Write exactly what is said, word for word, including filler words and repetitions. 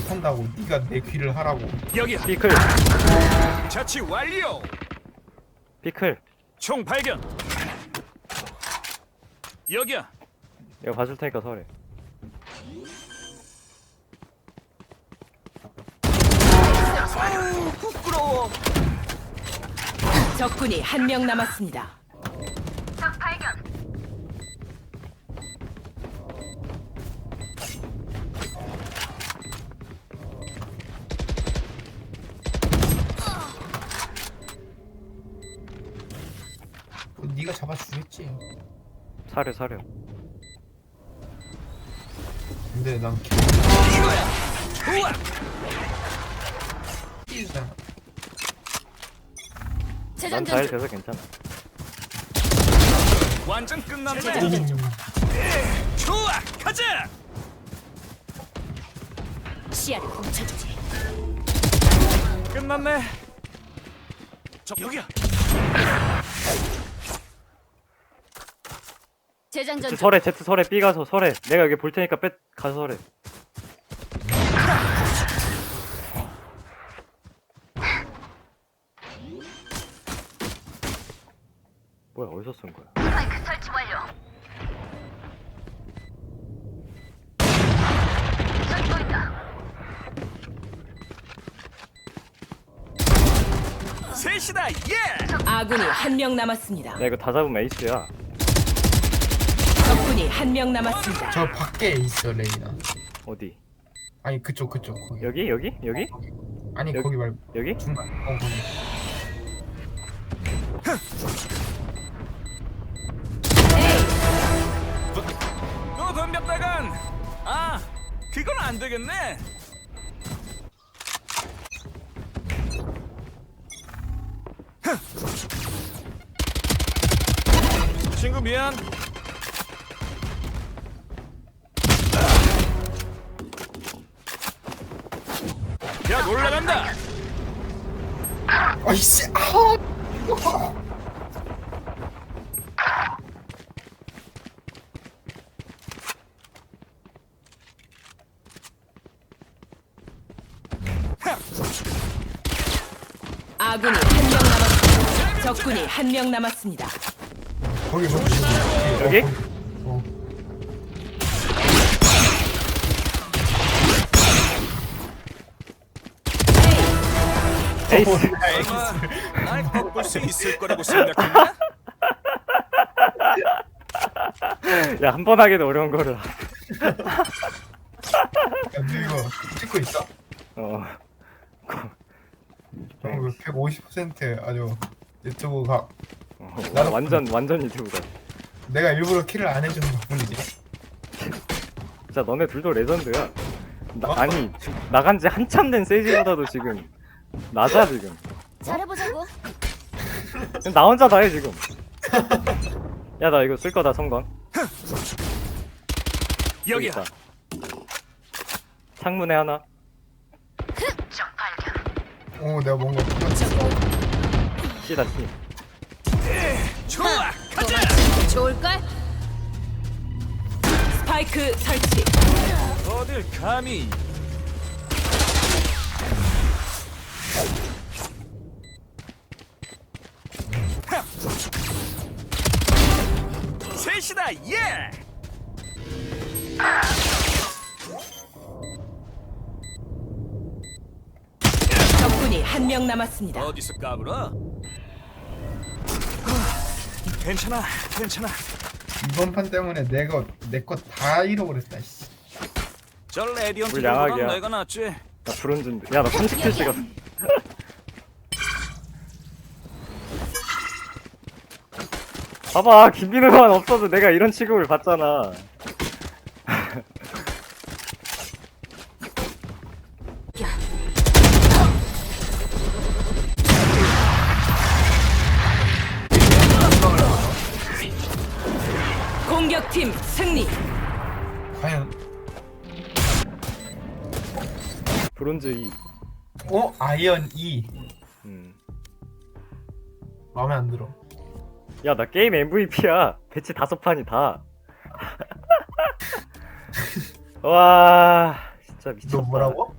못한다고. 네가 내 귀를 하라고. 여기야. 피클 자치 완료. 피클 총 발견. 여기야. 이거 봐줄 테니까 서래. 아유 부끄러워. 적군이 한 명 남았습니다. 적 발견. 그거 네가 잡아주겠지. 사려 사려. 근데 난 이거야. 좋아. 키잖아. 난 잘 돼서 괜찮아. 완전 끝났네. 좋아. 가자. 시야를 훔쳐주지. 끝났네. 저 여기야. 재장전 제트 설에 제트 설에 B 가서 설에. 내가 여기 볼 테니까 빼 가서 설에. 뭐야 어디서 쓴 거야? 스파이크 설치 완료. 저기 보인다. 셋이다. 예. 아군이 한 명 남았습니다. 야 이거 다 잡으면 에이스야. 적군이 한 명 남았습니다. 저 밖에 있어 레이나. 어디? 아니 그쪽 그쪽 거기. 여기 여기 여기 아니 여기? 거기 말고 여기? 중간. 어 거기. 또 덤볐다간. 아, 그건 안 되겠네. 친구 미안. 야 놀라간다. 아이씨. 아. 아군이 한 명 남았습니다. 적군이 한 명 남았습니다. 거기 거기. 여기? 어. 에이스. 설마 날 꺾을 수 있을 거라고 생각했나? 야 한 번 하기도 어려운 거를. 야, 너 이거 찍고 있어? 어. 형 백오십 퍼센트 아주 유튜브 각. 어, 나도 완전 완전 유튜브다. 내가 일부러 킬을 안 해주는 덕분이지. 진짜 너네 둘도 레전드야. 나, 어? 아니 나간 지 한참 된 세이지보다도 지금 낮아 지금. 잘해보자고. 지금 나 혼자 다 해 지금. 야 나 이거 쓸 거다 성광. 여기 여기야. 있다. 창문에 하나. 적 발견. 어 내가 뭔가 씨다 씨. 좋아. 가자. 좋을걸? 스파이크 설치. 어딜 감히. 셋이다. 예. 적군이 한 명 남았습니다. 어디서 까불어? 괜찮아, 괜찮아. 이번 판 때문에 내가 내 거 다 잃어버렸다. 씨. 저 레디언트 우리 보다 양악이야. 내가 낫지. 나 브론즈인데. 야나 삼십 킬 찍었어. 봐봐 김민호만 없어도 내가 이런 취급을 받잖아. 공격팀 승리. 과연 브론즈 이. 어 아이언 이 음. 마음에 안 들어. 야 나 게임 엠브이피야. 배치 다섯 판이 다. 와 진짜 미쳤다. 너 뭐라고?